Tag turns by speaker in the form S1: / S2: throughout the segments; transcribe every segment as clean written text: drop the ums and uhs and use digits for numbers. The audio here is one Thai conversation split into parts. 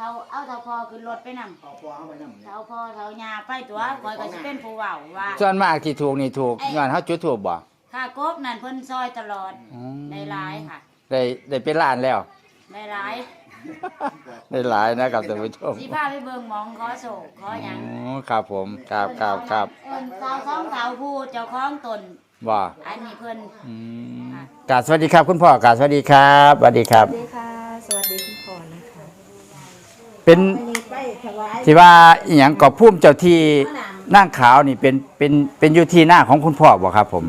S1: เท่าพอขึ้นรถไปนำเท่าพอเท่ายาไปตัวคอยก็สิเป็นผู้เว้าว่า
S2: ส่วนมากที่ถูกนี่ถูกย้อนเฮาจุดถูกบ่
S1: ค่ะกบนั่นเพิ่นซอยตลอดได้หลายค่ะ
S2: ได้เป็นล้านแล้ว
S1: ได้หลาย
S2: ได้หลายนะครับท่านผู้ชม
S1: สิพาไปเบิ่งหมองขอโศกขอหยัง
S2: ครับผมครับ
S1: เอิ้นสาวสองสาวผู้เจ้าของตน
S2: บ่
S1: อันนี้เพิ่น
S2: กราบสวัสดีครับคุณพ่อกราบสวัสดีครับสวัสดีครับ
S3: สวัสดีค่ะสวัสดีคุณพ่อนะคะ
S2: เป็นที่ว่าอีหยังก็ภูมิเจ้าที่นางขาวนี่เป็นอยู่ที่หน้าของคุณพ่อบ่ครับผม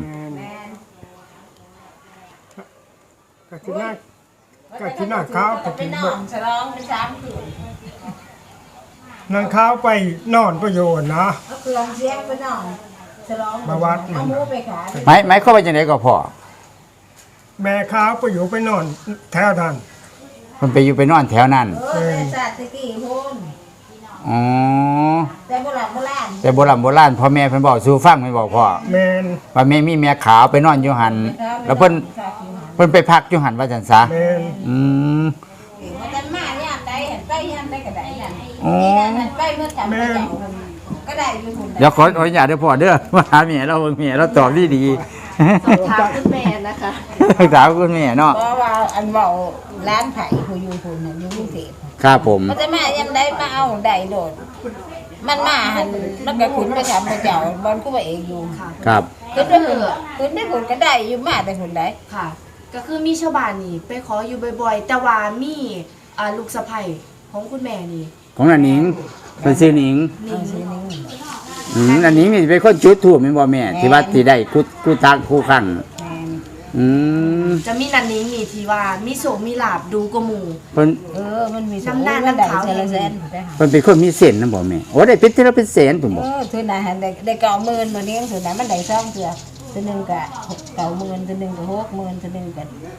S4: ก็ที่หน้าขาวก็ที่นอนฉลองเป็น3 คืนนางขาวไปนอนประโยชน์นะ
S3: เอาเครื่องเสียงไปนอนฉลอง
S4: มาวัด
S3: เอาหมูไปขาย
S2: หมายเข้าไปจังได๋ก็พ่อ
S4: แม่ขาวไปอยู่ไปนอนแถวนั้น
S2: เพิ่นไปอยู่ไปนอนแถวนั้น
S3: แต่ศาสตร์ตะกี้พุ่น
S2: อ๋อ
S3: แต่โบราณ
S2: โบราณพ่อแม่เพิ่นบอกสู่ฟังเพิ่นบอกพ่อ
S4: แม่น
S2: ว่าแม่มีแม่ขาวไปนอนอยู่หั่นแล้วเพิ่นไปพักอยู่หั่นว่าจังซะ
S4: แม่น
S3: มันจะมาย่ามใดเห็นไปย่ามใดก็ได้นั่นนี่ไปเมื่อจำไปเจ้าก็ได้อยู่พุ่น
S2: เดี๋ยวขออนุญาตเด้อพ่อเด้อมาหาแม่เราเบิ่งแม่เราตอบดี
S3: ถามคุณแม่นะคะ
S2: ถามคุณแม่เนาะ
S3: เพราะว่าอันเว้าร้านไผผู้อยู่พุ่นน่ะอยู่กรุงเทพ
S2: ครับผม
S3: มันจะมายังได้มาเอาได้โดดมันมาหันมันก็ขึ้นไปถามพระเจ้าบอนก็ว่าเองอยู่
S2: ครับ
S3: ขึ้นได้ผลก็ได้อยู่มาแต่ผลได้
S5: ค่ะก็คือมีชาวบ้านนี่ไปขออยู่บ่อยๆแต่ว่ามีลูกสะใภ้ของคุณแม่นี่
S2: ของอันนิงเป็นชื่อนิงอันนิงนี่เป็นคนจุดธูปแม่นบ่แม่ที่ว่าที่ได้กูตักคู่ครั้ง
S5: จะมีนันนิงนี่ที่ว่ามีโศกมีลาบดูกว่าหมู่
S2: เพิ่น
S3: มันมี
S5: น้ำหน้าน้ำขาว
S3: เซน
S2: เพิ่นเป็นคนมีเส้นนำบ่แม่โอ้ได้เป็นเทื่อเป็นแสนพุ่นบ่
S3: ถือน่ะได้90,000มื้อนี้ถือน่ะมันได้2เทื่อถือนึงก็90,000ถือนึงก็60,000ถือนึงก็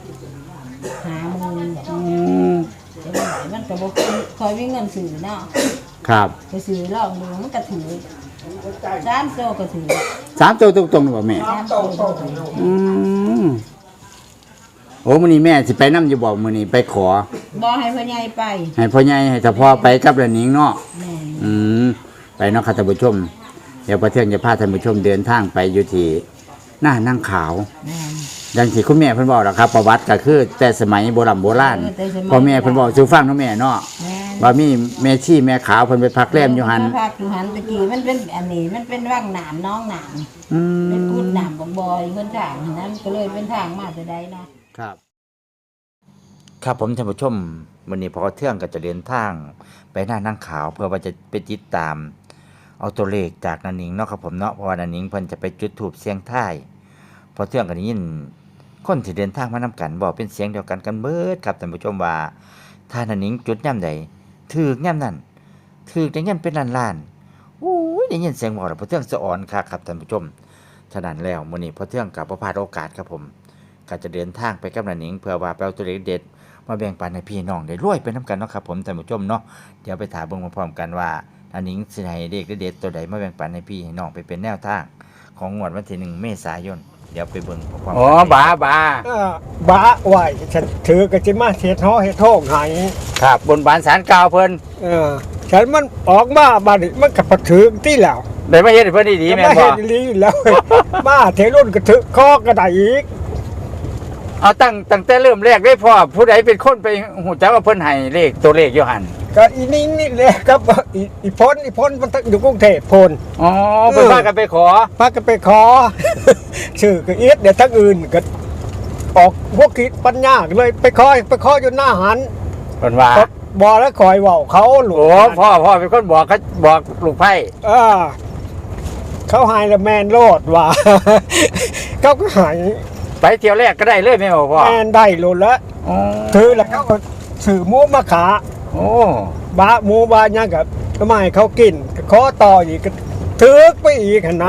S3: 50,000มันก็บ่ค่อยมีเงินซื้อเนาะ
S2: ครับ
S3: ไปซื้อลองดูมันก็ถือ3โตก็ถือ
S2: 3โตตรงๆบ่แม่โอ้มื้อนี้แม่สิไปนำอยู่บ่มื้อนี้ไปขอ
S3: บ่ให้พ่อใหญ่ไป
S2: ให้พ่อใหญ่ให้เฉพาะไปกับละนิงเนาะไปเนาะค่ะท่านผู้ชมเดี๋ยวประเทืองจะพาท่านผู้ชมเดินทางไปอยู่ที่หน้านั่งขาวดังที่คุณแม่เพิ่นบอกล่ะครับประวัติก็คือแต่สมัยโบราณพ่อแม่เพิ่นบอกสู่ฟังเนาะแม่เนาะว่ามีแม่ชีแม่ขาวเพิ่นไปพักแรมอยู่หั่น
S3: พักอยู่หั่นตะกี้มันเป็นอันนี้มันเป็นว่างน้ำน้องน้ำเป็นกุดน้ำบ่อยๆคนทางนั้นก็เลยเป็นทางมาแต่ใดเนาะ
S2: ครับผมท่านผู้ชมวันนี้พอเที่ยงก็จะเดินทางไปหน้านั่งขาวเพื่อว่าจะไปติดตามเอาตัวเลขจากนันนิงเนาะครับผมเนาะเพราะว่านันนิงเพิ่นจะไปจุดธูปเสียงท้ายพอเที่ยงก็ได้ยินคนที่เดินทางมานำกันบอกเป็นเสียงเดียวกันเบิดครับท่านผู้ชมว่าถ้านันนิงจุดย่ำใดถูกย่ำนั้นถูกได้เงินเป็นล้านๆอู้ยได้ยินเสียงบอกแล้วพอเที่ยงสะอ่อนครับท่านผู้ชมฉะนั้นแล้วมื้อนี้พอเที่ยงก็บ่พลาดโอกาสครับผมก็จะเดินทางไปกับนันนิงเพื่อว่าไปเอาตัวเลขเด็ดมาแบ่งปันให้พี่น้องได้รวยไปนำกันเนาะครับผมท่านผู้ชมเนาะเดี๋ยวไปถามเบิ่งพร้อมๆกันว่าอันนี้สิให้เลขเด็ดตัวใดมาแบ่งปันให้พี่ให้น้องไปเป็นแนวทางของงวดวันที่1 เมษายนเดี๋ยวไปเบิ่งพร้อมๆกันบ้า
S4: ไหวฉันถือกระจิมาเฮ็ดฮ้อเฮ็ดโทงให้
S2: ครับบนบานศาลกล่าวเพิ่น
S4: ฉันมันออกมาบัดนี้มันก็บ่ถือที่แล้ว
S2: ได้มาเฮ็ดให้เพิ่นดีๆแม่นบ่
S4: เฮ็ดดีแล้วมาเทรุ่นก็ถือคอก็ได้อีก
S2: เอาตั้งแต่เริ่มแรกได้พ่อผู้ใดเป็นคนไปหูจักว่าเพิ่นให้เลขตัวเลขอยู่หั่น
S4: ก็อีนิ่งนี่แหละครับอีพ้นมันอยู่กรุงเทพพ้น
S2: อ๋อเพิ่นพากันไปข
S4: อชื่อก็เอียดเดี๋ยวทั้งอื่นก็ออกพวกคิดปัญญาเลยไปขออยู่หน้าหัน
S2: เพิ่นว่า
S4: บ่แล้วคอยเว้าเขาหลวง
S2: โอ้พ่อเป็นคนบอกลูกไผ่
S4: เขาหายละแมนโลดว่าเขาก็หาย
S2: ไปเที่ยวแรกก็ได้เลยแม่พ่อ
S4: แมนได้โลดแล้วถือแล้วเขาก็ซื้อหมูมาขา
S2: โอ้
S4: บ้าหมูบ้ายังกับทำไมเขากินขอต่ออีกถือไปอีกนะ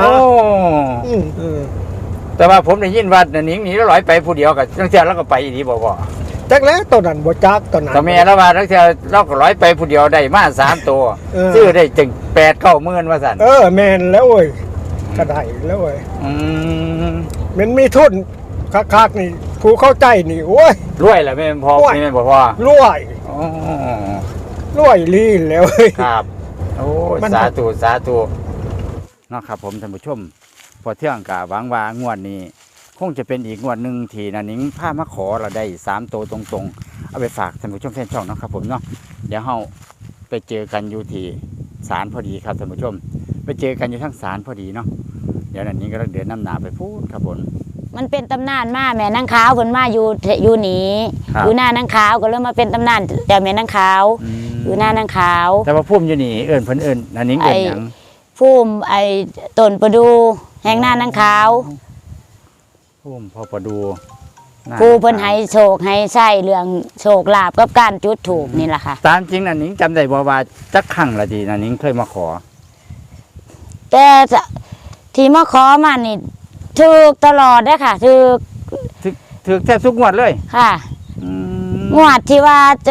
S2: แต่ว่าผมได้ยินว่าหนิงหนีแล้วลอยไปผู้เดียวกับทั้งเที่ยวแล้วก็ไปอีกบ่
S4: จักแล้วตอนนั้นบ่จักตอนนั้น
S2: ก็แม่แล้วว่าทั้งเที่ยวเราก็ลอยไปผู้เดียวได้มา3 ตัวซื้อได้จึง8-9 หมื่นว่าซั่น
S4: แม่นแล้วเว้ยก็ได้แล้วเว้ยมันมีทุนคักๆนี่ผู้เข้าใจนี่โอ้ย
S2: รวยแหละแม่พ่อแม่บ่พ่อ
S4: รวยรวยลีนแล้วเว้ย
S2: ครับโอ้ย
S4: มัน
S2: สาธุสาธุเนาะครับผมท่านผู้ชมพอเที่ยงกะหวังว่างวดนี้ คงจะเป็นอีกงวดหนึ่งที่นันนิงพามาขอเราได้3ตัวตรงๆเอาไปฝากท่านผู้ชมแฟนช่องเนาะครับผมเนาะเดี๋ยวเฮาไปเจอกันอยู่ที่ศาลพอดีครับท่านผู้ชม ไปเจอกันอยู่ทั้งศาลพอดีเนาะเดี๋ยวนันนิงก็เดินน้ำหนาไปพูดครับผม
S1: มันเป็นตำนานมาแม่นางขาวเพิ่นมาอยู่นี่
S2: ครับ
S1: อยู่หน้านางขาวก็เลยมาเป็นตำนานแต่แม่นางขาวอยู่หน้านางขาว
S2: แต่ว่าพุ่มอยู่นี่เอิ้นเพิ่นเอิ้นนันนิงเอิ้นหยัง
S1: ภูมิต้นประดูแห่งหน้านางขาว
S2: พุ่มพ่อประดูหน้า
S1: ผู้เพิ่นให้โชคให้ใช้เรื่องโชคลาภกับการจุดถูกนี่แหละค่ะ
S2: ตามจริงนันนิงจำได้บ่ว่าจักครั้งละดีนันนิงเคยมาขอ
S1: แต่ที่มาขอมานี่ถูกตลอดเด้อค่ะถูก
S2: ถือแทบทุกงวดเลย
S1: ค่ะ
S2: อืม
S1: งวดที่ว่าใจ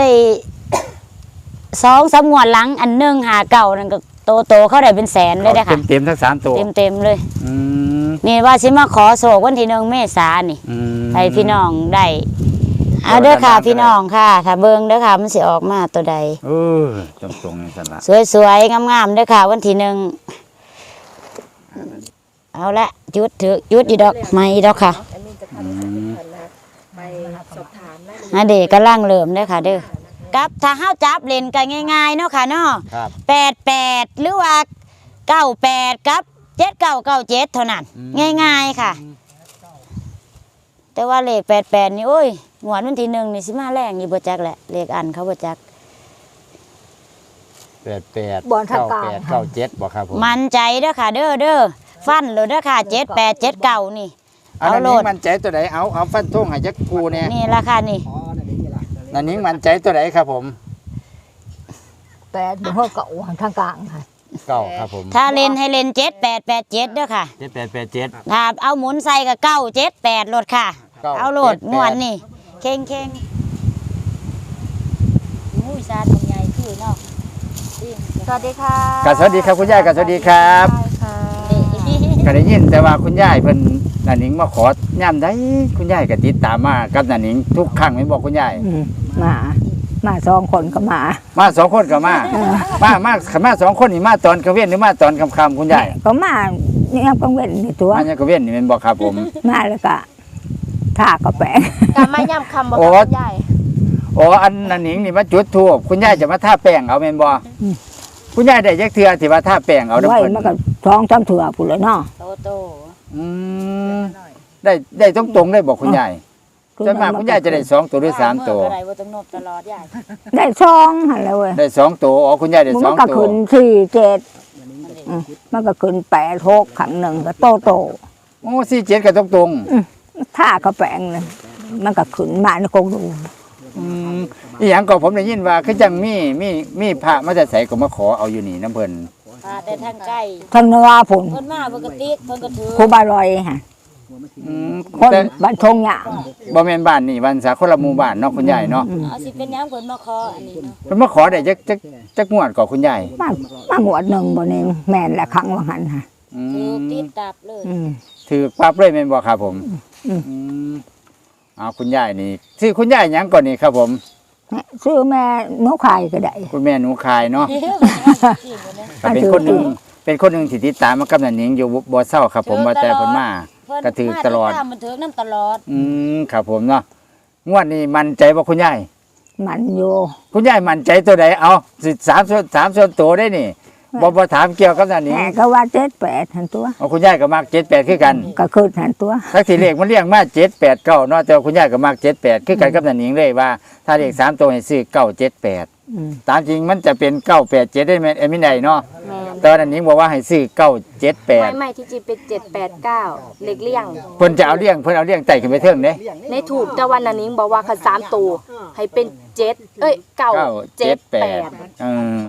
S1: 2-3 งวดหลังอันหนึงหาเก่านั่นก็โตเขาได้เป็นแสนเลยเด้อค่ะ
S2: เต็มทั้ง3ตัว
S1: เต็มเลย
S2: อืม
S1: นี่ว่าสิมาขอโศกวันที่1 เมษายนนี่
S2: อืม
S1: ให้พี่น้องได้เอาเด้อค่ะพี่น้องค่ะถ้าเบิ่งเด้อค่ะมันสิออกมาตัวใด
S2: เออตรงๆนี่ซั่นล่ะ
S1: สวยๆงามๆเด้อค่ะวันที่1เอาละจุดถือจุดอีดอกไม้อีดอกค่ะ
S5: แอดมินจะพาทุกท่านนะคะไปสอบถามรายละเอียด
S1: อันเด็กกำลังเริ่มเด้อค่ะเด้อกับถ้าเฮาจับเล่นกันง่ายๆเนาะค่ะเนาะ
S2: ครับ
S1: 88หรือว่า98กับ7997เท่านั้นง่ายๆค่ะ แต่ว่าเลข88นี่โอ้ยงวดวันที่1นี่สิมาแรงนี่บ่จักแหละเลขอันเขาบ่จัก
S2: 88
S3: บอลทางการ
S2: 97บ่ครับผม
S1: มั่นใจเด้อค่ะเด้อฟันเลยเด้อค่ะ7879นี่
S2: เอา
S1: เอา
S2: นัน
S1: โล
S2: นิง
S1: ด
S2: มั่นใจตัวใดเอาฟันธงให้จักกูเนี่ย
S1: นี่ราคานี่
S2: นันนิงมั่นใจตัวใดครับผม
S3: 8บ่ฮอดเก่าทางกลางค่ะ
S2: เก้าครับผม
S1: ถ้าเล่นให้เล่น7887เด้อค่ะ
S2: 7887
S1: ถ้าเอาหมุนใส่กับ978โลดค่ะ
S2: 978
S1: เอาโลดงวนนี่เข่งอุ้ยซาทำใหญ่คือเนาะ
S5: สวัสดีค่ะ
S2: ก็สวัสดีครับคุณยายก็สวัสดีครับ
S5: ค่ะ
S2: ก็ได้ยินแต่ว่าคุณยายเพิ่นนันนิงมาขอย่ำได้คุณยายก็ติดตามมากับนันนิงทุกครั้งแม่นบอกคุณยาย
S3: มา2คนก็มา
S2: มา2คนก็มามา2คนนี่มาตอนกลางเว้นหรือมาตอนค่ำๆคุณยาย
S3: ก็มาเนี่ยกังเว้นนี่ตัว
S2: มาเนี่ยกลางเว้นนี่แม่นบอกครับผม
S3: มาแล้วก็ท่าก็แปะ
S5: การมาย่ำคำบอก
S2: โอ้
S5: กับคุณยาย
S2: อ๋ออันนันนิงนี่มาจุดธูปคุณยายจะมาทาแป้งเอาแม่นบ่คุณยายได้จักเทื่อที่ว่าทาแป้งเอาน้ำ
S3: ไว้
S2: เพิ่น
S3: มันก็2-3เถื่อพุ่นเลยเนาะ
S1: โต
S2: อืมได้ตรงๆได้บอกคุณยายส่วนมากคุณยายจะได้2ตัวหรือ3ตัว
S1: อะไรบ่ต้องนบตลอดยาย
S3: ได้2หั่นแหล้วเว้ย
S2: ได้2ตัวอ๋อคุณยายได้
S3: มัน
S2: 2
S3: ก็
S2: ตัว
S3: ขึ้น4-7มันก็ขึ้น8-6ครั้งหนึ่งก็โต
S2: โอ้47ก็ตรง
S3: ท่าก็แปลงเลยมันก็ขึ้นมาในกงดู
S2: ๆอีหยังก็ผมได้ยินว่าคือจังมีพระมาแต่ไสก็มาขอเอาอยู่นี่น้ำเพิ่น
S1: พาแต่ทางใกล้
S3: ทางเนื้อผล
S1: เพิ่นมาปกติเพิ่นก็ถือ
S3: ครูบาลอยฮะ
S2: อืม
S3: คน
S2: แต่
S3: บ้านทงหยาง
S2: บ่แม่นบ้านนี่บ้านสาคนละหมู่บ้านเนาะคุณยายเนาะ
S1: เอาสิเป็นหยังเพิ่นมาขออันนี้เนาะ
S2: เพิ่นมาขอได้จักงวดก่อคุณยาย
S3: มาหวดหนึ่งบนเองแม่นและครั้งว่าหันฮะ
S2: อื
S1: ถือ
S2: ม
S1: ติดตับเลย
S2: ถือปั๊บเลยแม่นบ่ครับผม
S3: อืม
S2: อืมเอาคุณยายนี่ชื่อคุณยายหยังก่อนนี่ครับผม
S3: ซื้อแม่นกไข่ก็ได้
S2: คุณแม่หนูคายเนาะ
S1: จริงบ่เนี่ย
S2: ก็เป็นคนหนึงที่ติดตามมากับนันหนิงอยู่บ่เศร้าครับผมว่าแต่เพิ่นมา
S1: เพิ่น
S2: ก็ถือตลอด
S1: มามันถือน้ำตลอด
S2: ครับผมเนาะงวดนี้มั่นใจบ่คุณยาย
S3: มันอยู่
S2: คุณยายมั่นใจตัวใดเอาสิ3ส่วนตัวได้นี่บ่ถามเกี่ยวกับนันหนิง
S3: แม่ก็ว่า7-8หันตัว
S2: เอาคุณยายก็มัก78คือกัน
S3: ก็ขึ้นหันตัว
S2: ทั้งที่เลขมันเรียงมา7 8 9เนาะแต่ว่าคุณยายก็มัก78คือกันกับนันหนิงเลยว่า ถ้าเลข3ตัวให้ซื้อ978 ตามจริงมันจะเป็น987ได้ไหมเอ็มไม่ได้เนาะ
S5: แม่
S2: แต่ว่านันหนิงบอกว่าให้ซื้อ978
S5: ไม่ที่จริงเป็น789เล็กเลี่ยง
S2: เพิ่นเอาเลี่ยงไต่ขึ้นไปเทิงเด้
S5: ในถูกแต่วันนั้นนิ้งบอกว่าคัน3ตัวให้เป็น7 9 7 8
S2: 978